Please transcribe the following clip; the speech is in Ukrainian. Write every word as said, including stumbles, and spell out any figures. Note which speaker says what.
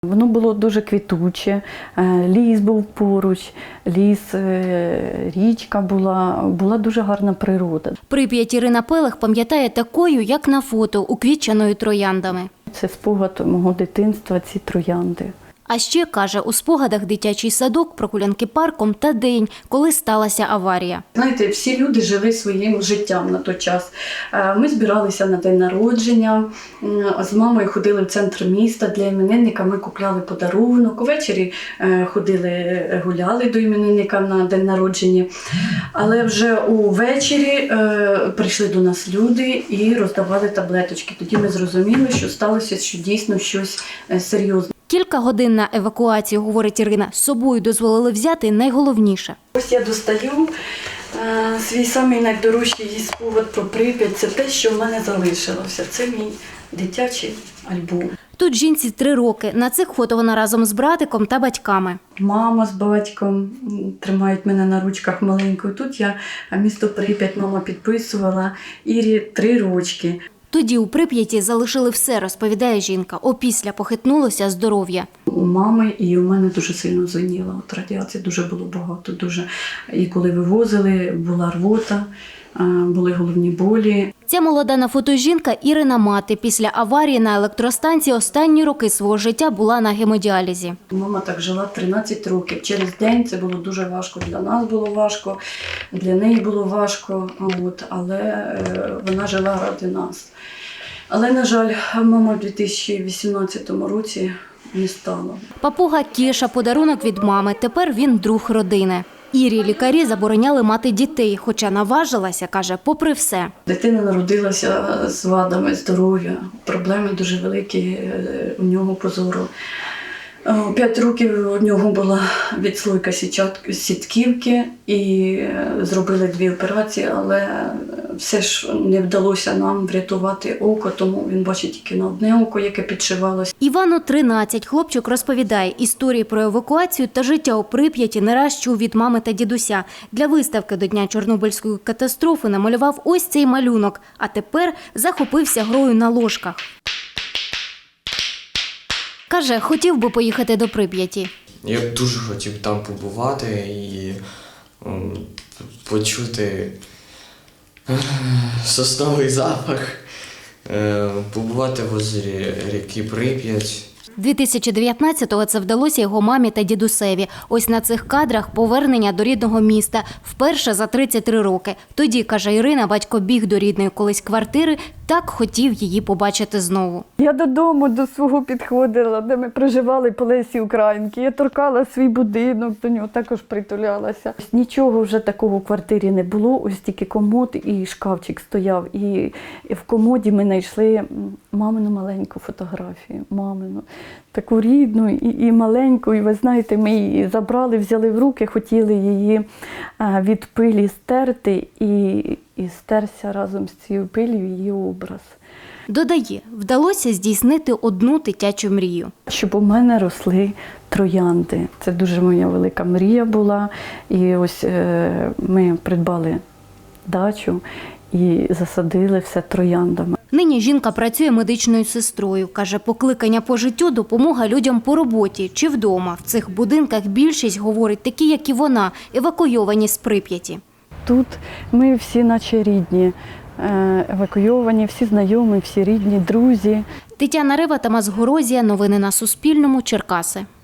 Speaker 1: Воно було дуже квітуче, ліс був поруч, ліс, річка була, була дуже гарна природа.
Speaker 2: Прип'ять Ірина Пелех пам'ятає такою, як на фото, уквітченою трояндами.
Speaker 1: Це спогад мого дитинства, ці троянди.
Speaker 2: А ще, каже, у спогадах дитячий садок, прогулянки парком та день, коли сталася аварія.
Speaker 1: Знаєте, всі люди жили своїм життям на той час. Ми збиралися на день народження, з мамою ходили в центр міста для іменинника, ми купляли подарунок, увечері ходили, гуляли до іменинника на день народження. Але вже увечері прийшли до нас люди і роздавали таблеточки. Тоді ми зрозуміли, що сталося, що дійсно щось серйозне.
Speaker 2: Кілька годин на евакуацію, говорить Ірина, з собою дозволили взяти найголовніше.
Speaker 1: Ось я достаю е, свій самий найдорожчий спогад про Прип'ять. Це те, що в мене залишилося. Це мій дитячий альбом.
Speaker 2: Тут жінці три роки. На цих фото вона разом з братиком та батьками.
Speaker 1: Мама з батьком тримають мене на ручках маленькою. Тут я місто Прип'ять, мама підписувала. Ірі три рочки.
Speaker 2: Тоді у Прип'яті залишили все, розповідає жінка. Опісля похитнулося здоров'я.
Speaker 1: У мами і у мене дуже сильно звеніло. От радіації дуже було багато. Дуже. І коли вивозили, була рвота, були головні болі.
Speaker 2: Ця молода на фото жінка – Ірина мати. Після аварії на електростанції останні роки свого життя була на гемодіалізі.
Speaker 1: Мама так жила тринадцять років. Через день це було дуже важко. Для нас було важко, для неї було важко, от, але вона жила ради нас. Але, на жаль, мама в дві тисячі вісімнадцятому році не стала.
Speaker 2: Папуга Кеша – подарунок від мами. Тепер він друг родини. Ірі лікарі забороняли мати дітей, хоча наважилася, каже, попри все.
Speaker 1: Дитина народилася з вадами здоров'я, проблеми дуже великі у нього по зору. П'ять років у нього була відслойка сітківки і зробили дві операції, але все ж не вдалося нам врятувати око, тому він бачить тільки на одне око, яке підшивалося.
Speaker 2: Івану тринадцять. Хлопчик розповідає, історії про евакуацію та життя у Прип'яті не раз чув від мами та дідуся. Для виставки до Дня Чорнобильської катастрофи намалював ось цей малюнок, а тепер захопився грою на ложках. Каже, хотів би поїхати до Прип'яті.
Speaker 3: Я б дуже хотів там побувати і м, почути е, сосновий запах, е, побувати в озері ріки Прип'ять.
Speaker 2: дві тисячі дев'ятнадцятого це вдалося його мамі та дідусеві. Ось на цих кадрах повернення до рідного міста. Вперше за тридцять три роки. Тоді, каже Ірина, батько біг до рідної колись квартири, так хотів її побачити знову.
Speaker 1: Я додому до свого підходила, де ми проживали по Лесі Українки. Я торкала свій будинок, до нього також притулялася. Нічого вже такого в квартирі не було, ось тільки комод і шкафчик стояв. І в комоді ми знайшли мамину маленьку фотографію, мамину. Таку рідну і, і маленьку, і ви знаєте, ми її забрали, взяли в руки, хотіли її від пилі стерти, і, і стерся разом з цією пилью її образ.
Speaker 2: Додає, вдалося здійснити одну дитячу мрію.
Speaker 1: Щоб у мене росли троянди. Це дуже моя велика мрія була. І ось е, ми придбали дачу і засадили все трояндами.
Speaker 2: Нині жінка працює медичною сестрою. Каже, покликання по життю – допомога людям по роботі чи вдома. В цих будинках більшість, говорить, такі, як і вона, евакуйовані з Прип'яті.
Speaker 1: Тут ми всі наче рідні, евакуйовані, всі знайомі, всі рідні, друзі.
Speaker 2: Тетяна Рева, Тамас Горозія. Новини на Суспільному. Черкаси.